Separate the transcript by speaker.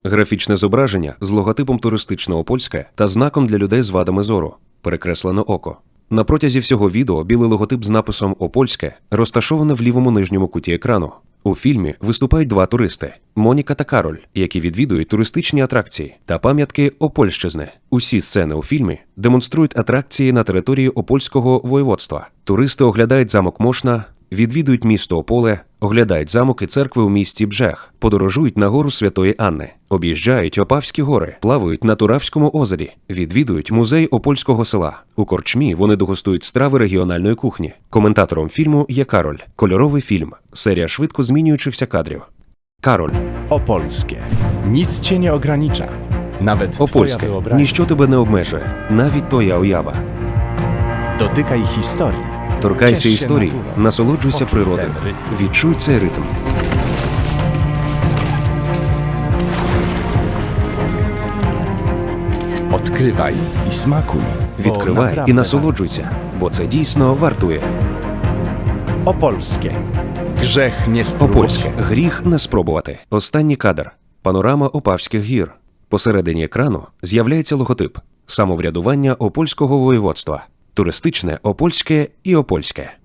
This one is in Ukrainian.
Speaker 1: Графічне зображення з логотипом туристичного Опольське та знаком для людей з вадами зору. Перекреслено око. На протязі всього відео білий логотип з написом «Опольське» розташовано в лівому нижньому куті екрану. У фільмі виступають два туристи – Моніка та Кароль, які відвідують туристичні атракції та пам'ятки Опольщизни. Усі сцени у фільмі демонструють атракції на території Опольського воєводства. Туристи оглядають замок Мошна, відвідують місто Ополе, оглядають замок і церкви у місті Бжех, подорожують на гору Святої Анни, об'їжджають Опавські гори, плавають на Туравському озері, відвідують музей Опольського села. У корчмі вони дегустують страви регіональної кухні. Коментатором фільму є Кароль. Кольоровий фільм. Серія швидко змінюючихся кадрів. Кароль.
Speaker 2: Opolskie. Nic cię nie ogranicza. Nawet twoja
Speaker 1: Опольське.
Speaker 2: wyobraźnia.
Speaker 1: Ніщо тебе не обмежує. Навіть твоя уява.
Speaker 2: Dotykaj historii.
Speaker 1: Торкайся
Speaker 2: Ciesz się
Speaker 1: історії,
Speaker 2: naturą.
Speaker 1: насолоджуйся
Speaker 2: Poczuj
Speaker 1: природою.
Speaker 2: ten rytm.
Speaker 1: Відчуй цей ритм.
Speaker 2: Odkrywaj i smakuj. bo
Speaker 1: Відкривай
Speaker 2: naprawdę
Speaker 1: і насолоджуйся, бо це дійсно вартує.
Speaker 2: warto. Opolskie. Grzech nie spróbować.
Speaker 1: Опольське. Гріх не спробувати. Останній кадр. Панорама Опавських гір. Посередині екрану з'являється логотип. Самоврядування Опольського воєводства. Туристичне Опольське і Опольське.